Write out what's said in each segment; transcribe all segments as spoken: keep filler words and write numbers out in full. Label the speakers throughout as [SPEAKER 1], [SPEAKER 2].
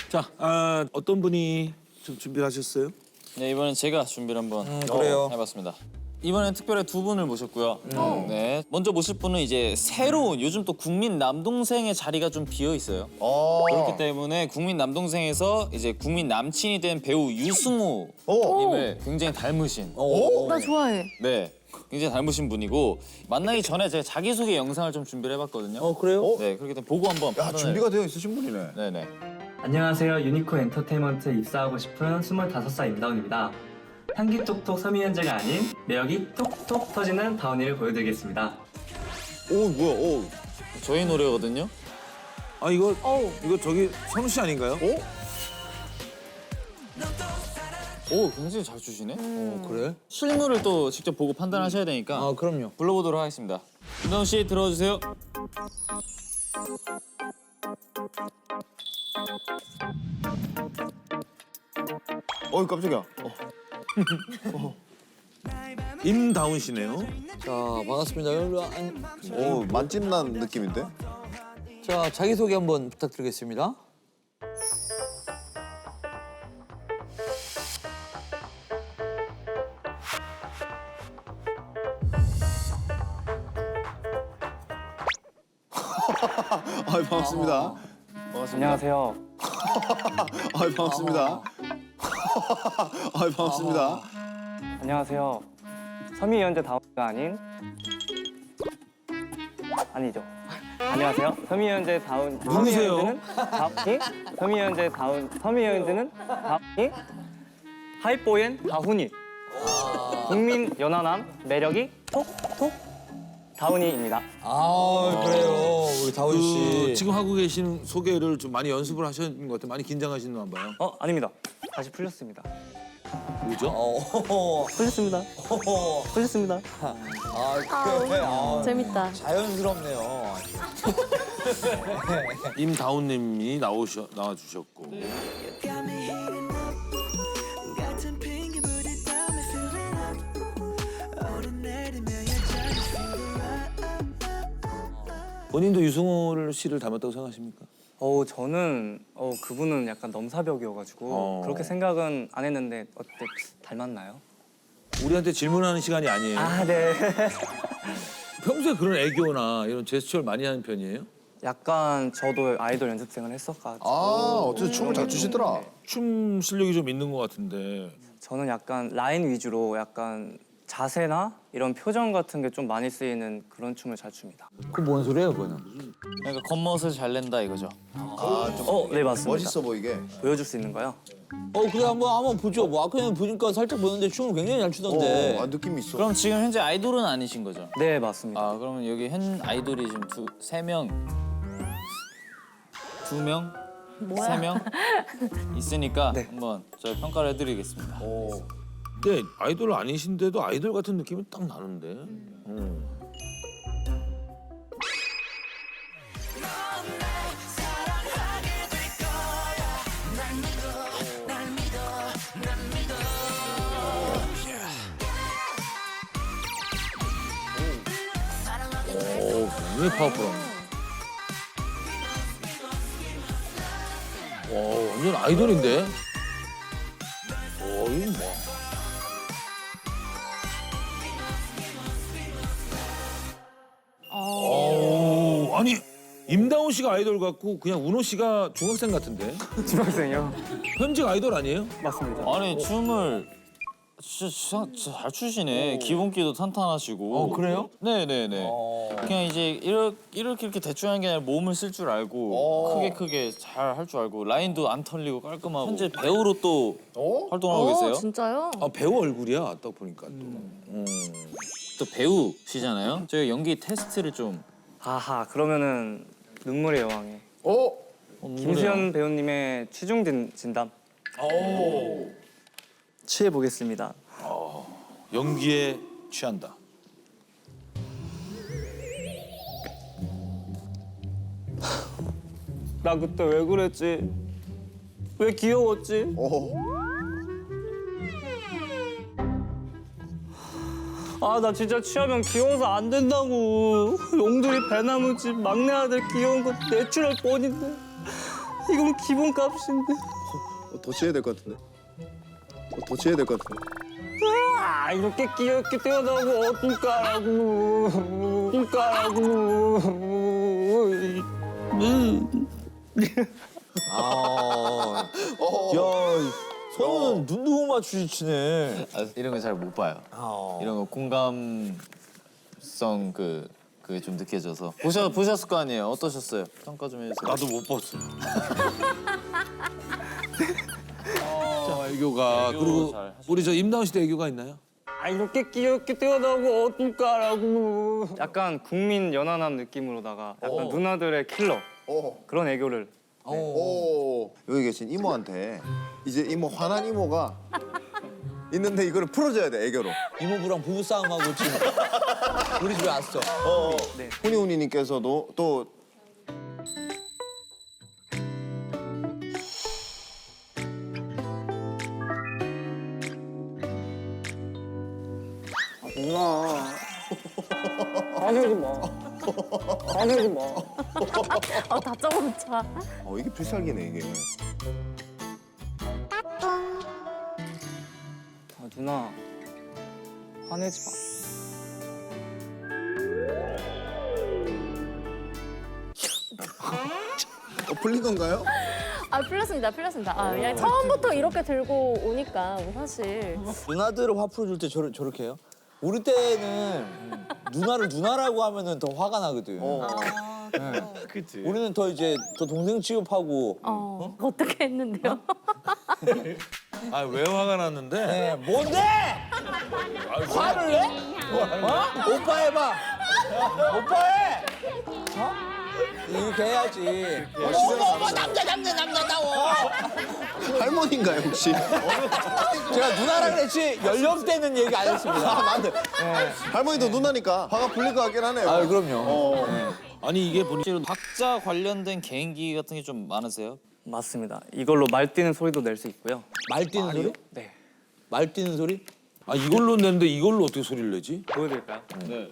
[SPEAKER 1] 자, 아, 어떤 분이 좀 준비를 하셨어요?
[SPEAKER 2] 네, 이번엔 제가 준비를 한번
[SPEAKER 3] 음, 그래요.
[SPEAKER 2] 해봤습니다. 이번엔 특별히 두 분을 모셨고요. 음. 네, 먼저 모실 분은 이제 새로운 요즘 또 국민 남동생의 자리가 좀 비어 있어요.
[SPEAKER 4] 어.
[SPEAKER 2] 그렇기 때문에 국민 남동생에서 이제 국민 남친이 된 배우 유승호님을 굉장히 닮으신.
[SPEAKER 5] 나 좋아해.
[SPEAKER 2] 네, 굉장히 닮으신 분이고 만나기 전에 제가 자기소개 영상을 좀 준비를 해봤거든요.
[SPEAKER 3] 어 그래요?
[SPEAKER 2] 네, 그렇기 때문에 보고 한번
[SPEAKER 4] 야,
[SPEAKER 2] 판단을.
[SPEAKER 4] 준비가 되어 있으신 분이네.
[SPEAKER 2] 네네.
[SPEAKER 6] 안녕하세요. 유니코 엔터테인먼트에 입사하고 싶은 스물다섯 살 임다운입니다. 향기 톡톡 서미현재가 아닌 매력이 톡톡 터지는 다운이를 보여드리겠습니다.
[SPEAKER 4] 오, 뭐야, 오.
[SPEAKER 2] 저희 노래거든요.
[SPEAKER 1] 아, 이거
[SPEAKER 5] 어우.
[SPEAKER 1] 이거 저기 선우 씨 아닌가요?
[SPEAKER 2] 오, 굉장히 잘 추시네.
[SPEAKER 3] 어 그래?
[SPEAKER 2] 실물을 또 직접 보고 판단하셔야 되니까
[SPEAKER 3] 아 그럼요.
[SPEAKER 2] 불러보도록 하겠습니다. 윤다운 씨 들어주세요.
[SPEAKER 4] 어이, 깜짝이야.
[SPEAKER 1] 임다운 씨네요.
[SPEAKER 3] 자 반갑습니다. 일로 안...
[SPEAKER 4] 오, 만찢난 느낌인데?
[SPEAKER 3] 자 자기소개 한번 부탁드리겠습니다.
[SPEAKER 4] 아이, 반갑습니다.
[SPEAKER 6] 안녕하세요.
[SPEAKER 4] 아이, 반갑습니다. 아이, 반갑습니다.
[SPEAKER 6] 안녕하세요. 서미현재 다운이가 아닌 아니죠. 안녕하세요. 서미현재 다운.
[SPEAKER 1] 누구세요?
[SPEAKER 6] 서미현재는 다운이. 서미현재 다운. 서미현재는 다운이. 하이보엔 다훈이. 국민 연하남 매력이 톡톡 다운이입니다.
[SPEAKER 3] 아 그래요 우리 다운
[SPEAKER 1] 그
[SPEAKER 3] 씨.
[SPEAKER 1] 지금 하고 계신 소개를 좀 많이 연습을 하셨는 것 같아요. 많이 긴장하시나 봐요.
[SPEAKER 6] 어 아닙니다. 다시 풀렸습니다.
[SPEAKER 1] 뭐죠?
[SPEAKER 3] 어.
[SPEAKER 6] 풀렸습니다. 풀렸습니다.
[SPEAKER 3] 아 그래. 아,
[SPEAKER 5] 재밌다.
[SPEAKER 3] 자연스럽네요.
[SPEAKER 1] 임다운님이 나오셔 나와주셨고. 본인도 유승호 씨를 닮았다고 생각하십니까?
[SPEAKER 6] 어 저는 어 그분은 약간 넘사벽이어가지고
[SPEAKER 1] 어.
[SPEAKER 6] 그렇게 생각은 안 했는데 어때 닮았나요?
[SPEAKER 1] 우리한테 질문하는 시간이 아니에요.
[SPEAKER 6] 아 네.
[SPEAKER 1] 평소에 그런 애교나 이런 제스처를 많이 하는 편이에요?
[SPEAKER 6] 약간 저도 아이돌 연습생을 했었가지고
[SPEAKER 4] 아, 어쨌든 춤을 잘 추시더라.
[SPEAKER 1] 춤 실력이 좀 있는 것 같은데.
[SPEAKER 6] 저는 약간 라인 위주로 약간 자세나 이런 표정 같은 게 좀 많이 쓰이는 그런 춤을 잘 춥니다.
[SPEAKER 3] 그 뭔 소리예요 그거는?
[SPEAKER 2] 그러니까 겉멋을 잘 낸다 이거죠.
[SPEAKER 4] 아, 좀
[SPEAKER 6] 어, 네 맞습니다.
[SPEAKER 4] 멋있어 보이게.
[SPEAKER 6] 보여줄 수 있는 거요?
[SPEAKER 3] 어 그래 한번 한번 보죠. 뭐 아까 보니까 살짝 보는데 춤을 굉장히 잘 추던데.
[SPEAKER 4] 어, 아, 느낌이 있어.
[SPEAKER 2] 그럼 지금 현재 아이돌은 아니신 거죠?
[SPEAKER 6] 네 맞습니다.
[SPEAKER 2] 아 그러면 여기 현 아이돌이 지금 두 세 명, 두 명, 세 명 있으니까
[SPEAKER 6] 네.
[SPEAKER 2] 한번 저희 평가를 해드리겠습니다.
[SPEAKER 1] 근데 아이돌 아니신데도 아이돌 같은 느낌이 딱 나는데. 음. 오, 굉장히 파워풀하네. 와, 완전 아이돌인데? 오, 이거 뭐. 오, 아니, 임다운 씨가 아이돌 같고 그냥 운호 씨가 중학생 같은데?
[SPEAKER 6] 중학생이요?
[SPEAKER 1] 현직 아이돌 아니에요?
[SPEAKER 6] 맞습니다.
[SPEAKER 2] 아니 춤을 진짜, 진짜, 진짜 잘 추시네. 기본기도 탄탄하시고.
[SPEAKER 3] 어 그래요?
[SPEAKER 2] 네네네.
[SPEAKER 3] 어.
[SPEAKER 2] 그냥 이제 이렇게 이렇게, 이렇게 대충 하는 게 아니라 몸을 쓸 줄 알고 크게 크게 잘 할 줄 알고 라인도 안 털리고 깔끔하고 현재 배우로 또 활동하고 계세요.
[SPEAKER 5] 어, 진짜요?
[SPEAKER 1] 아, 배우 얼굴이야, 딱 보니까 또. 음.
[SPEAKER 2] 또 배우시잖아요. 저희가 연기 테스트를 좀
[SPEAKER 6] 아하 그러면은 눈물의 여왕에
[SPEAKER 4] 어?
[SPEAKER 6] 김수현 배우님의 취중 진- 진담 취해 보겠습니다.
[SPEAKER 1] 연기에 취한다.
[SPEAKER 6] 나 그때 왜 그랬지? 왜 귀여웠지?
[SPEAKER 4] 어.
[SPEAKER 6] 아 나 진짜 취하면 귀여워서 안 된다고. 용두리 배나무집 막내 아들 귀여운 거 내추럴 뻔인데.
[SPEAKER 3] 이건 기본값인데.
[SPEAKER 4] 어, 더 치해야 될 것 같은데. 어, 더 치해야 될 것 같은데.
[SPEAKER 3] 아, 이렇게 귀엽게 태어나고 어떨까라고. 어떨까라고. 아, 야, 손은 눈두고 맞추지 치네.
[SPEAKER 2] 아, 이런 거 잘 못 봐요.
[SPEAKER 3] 아.
[SPEAKER 2] 이런 거 공감성 그 그게 좀 느껴져서 보셔 보셨을 거 아니에요. 어떠셨어요? 평가 좀 해주세요.
[SPEAKER 1] 나도 못 봤어. 자, 애교가 그리고
[SPEAKER 2] 잘 하셨-
[SPEAKER 1] 우리 저 임다운 씨도 애교가 있나요?
[SPEAKER 3] 아, 이렇게 귀엽게 태어나고 어떨까라고.
[SPEAKER 5] 약간 국민 연하남 느낌으로다가 약간
[SPEAKER 3] 어.
[SPEAKER 5] 누나들의 킬러
[SPEAKER 4] 오.
[SPEAKER 5] 그런 애교를
[SPEAKER 4] 오. 여기 계신 이모한테 이제 이모 화난 이모가 있는데 이거를 풀어줘야 돼 애교로.
[SPEAKER 3] 이모부랑 부부싸움하고 지금 우리 집에 왔어.
[SPEAKER 4] 어.
[SPEAKER 5] 네.
[SPEAKER 4] 훈이훈이님께서도 또
[SPEAKER 5] 누나 화내지 마 화내지 마
[SPEAKER 7] 아, 다짜고 자.
[SPEAKER 4] 어 이게 필살기네 이게.
[SPEAKER 5] 아, 누나 화내지 마
[SPEAKER 4] 어 풀린 건가요?
[SPEAKER 7] 아, 풀렸습니다, 풀렸습니다. 아, 그냥 처음부터 이렇게 들고 오니까 뭐 사실.
[SPEAKER 3] 누나들을 화 풀어줄 때 저러, 저렇게 해요? 우리 때는 누나를 누나라고 하면은 더 화가 나거든.
[SPEAKER 4] 어.
[SPEAKER 1] 그치.
[SPEAKER 3] 우리는 더 이제 더 동생 취급하고.
[SPEAKER 7] 어, 어떻게 했는데요?
[SPEAKER 1] 아, 왜 화가 났는데?
[SPEAKER 3] 네, 뭔데? 화를 내? 어? 오빠 해봐. 오빠 해. 어? 이렇게 해야지. 어머 어머 남자 남자 남자다워.
[SPEAKER 4] 할머니인가요 혹시?
[SPEAKER 3] 제가 누나라 그랬지 연령대는 얘기 안 했습니다.
[SPEAKER 4] 아 맞네. 할머니도 누나니까 화가 풀릴 것 같긴 하네요.
[SPEAKER 3] 아 그럼요.
[SPEAKER 4] 어.
[SPEAKER 1] 아니 이게 보니
[SPEAKER 2] 실제로 각자 관련된 개인기 같은 게 좀 많으세요?
[SPEAKER 5] 맞습니다 이걸로 말 뛰는 소리도 낼 수 있고요
[SPEAKER 3] 말 뛰는 소리?
[SPEAKER 5] 네
[SPEAKER 3] 말 뛰는 소리?
[SPEAKER 1] 아 이걸로 냈는데 이걸로 어떻게 소리를 내지?
[SPEAKER 5] 보여드릴까요?
[SPEAKER 2] 네.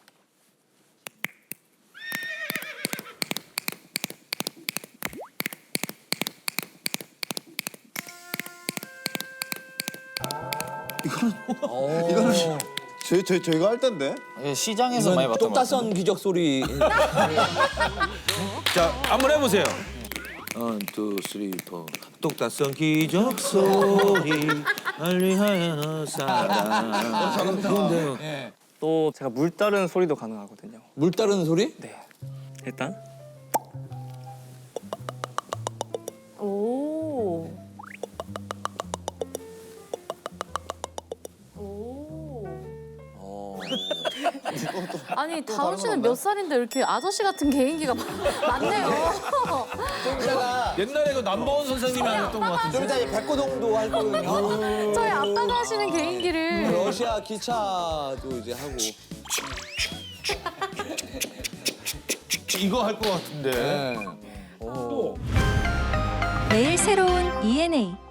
[SPEAKER 4] 이거는 저희 저희 저희가 할 텐데.
[SPEAKER 2] 이게 시장에서 많이
[SPEAKER 3] 이건
[SPEAKER 2] 봤던 것 같아요.
[SPEAKER 3] 똑따선 기적 소리.
[SPEAKER 1] 자, 한번 해보세요. 원, 투, 쓰리, 포. 똑딱선 기적 소리 알리하여 사랑. 그런데요.
[SPEAKER 5] 또 제가 물 따르는 소리도 가능하거든요
[SPEAKER 3] 물 따르는 소리?
[SPEAKER 5] 네 일단
[SPEAKER 7] 오. 오.
[SPEAKER 3] 어.
[SPEAKER 7] 아니, 다운 씨는 몇 살인데 이렇게 아저씨 같은 개인기가 많네요.
[SPEAKER 1] 옛날에 그 남보원 선생님이 안 했던 것
[SPEAKER 3] 좀
[SPEAKER 1] 같은데.
[SPEAKER 3] 이따 이제 백고동도 할 거거든요.
[SPEAKER 7] 저희 아빠가 하시는 개인기를.
[SPEAKER 3] 러시아 기차도 이제 하고.
[SPEAKER 1] 이거 할 것 같은데.
[SPEAKER 3] 네.
[SPEAKER 8] 매일 새로운 이엔에이